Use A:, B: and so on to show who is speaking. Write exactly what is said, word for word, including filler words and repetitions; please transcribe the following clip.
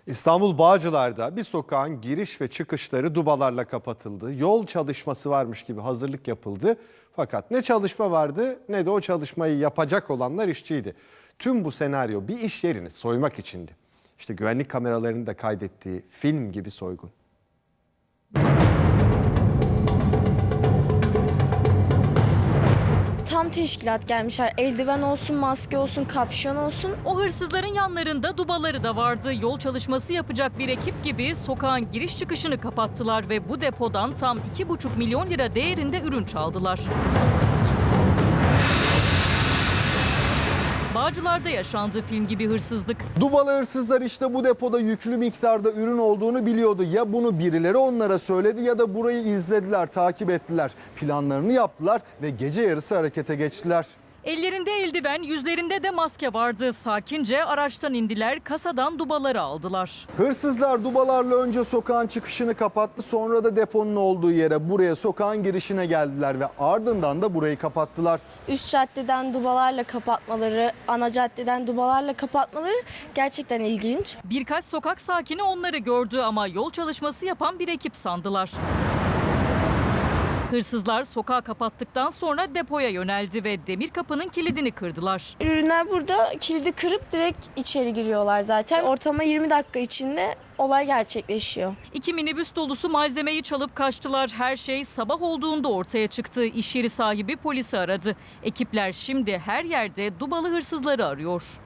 A: İstanbul Bağcılar'da bir sokağın giriş ve çıkışları dubalarla kapatıldı. Yol çalışması varmış gibi hazırlık yapıldı. Fakat ne çalışma vardı ne de o çalışmayı yapacak olanlar işçiydi. Tüm bu senaryo bir iş yerini soymak içindi. İşte güvenlik kameralarının da kaydettiği film gibi soygun.
B: Tam teşkilat gelmişler. Eldiven olsun, maske olsun, kapşon olsun.
C: O hırsızların yanlarında dubaları da vardı. Yol çalışması yapacak bir ekip gibi sokağın giriş çıkışını kapattılar ve bu depodan tam iki buçuk milyon lira değerinde ürün çaldılar. Bağcılar'da yaşandı film gibi hırsızlık.
D: Dubalı hırsızlar işte bu depoda yüklü miktarda ürün olduğunu biliyordu. Ya bunu birileri onlara söyledi ya da burayı izlediler, takip ettiler. Planlarını yaptılar ve gece yarısı harekete geçtiler.
C: Ellerinde eldiven, yüzlerinde de maske vardı. Sakince araçtan indiler, kasadan dubaları aldılar.
D: Hırsızlar dubalarla önce sokağın çıkışını kapattı, sonra da deponun olduğu yere, buraya, sokağın girişine geldiler ve ardından da burayı kapattılar.
B: Üst caddeden dubalarla kapatmaları, ana caddeden dubalarla kapatmaları gerçekten ilginç.
C: Birkaç sokak sakini onları gördü ama yol çalışması yapan bir ekip sandılar. Hırsızlar sokağı kapattıktan sonra depoya yöneldi ve demir kapının kilidini kırdılar.
B: Ürünler burada, kilidi kırıp direkt içeri giriyorlar zaten. Ortama yirmi dakika içinde olay gerçekleşiyor.
C: İki minibüs dolusu malzemeyi çalıp kaçtılar. Her şey sabah olduğunda ortaya çıktı. İş yeri sahibi polisi aradı. Ekipler şimdi her yerde dubalı hırsızları arıyor.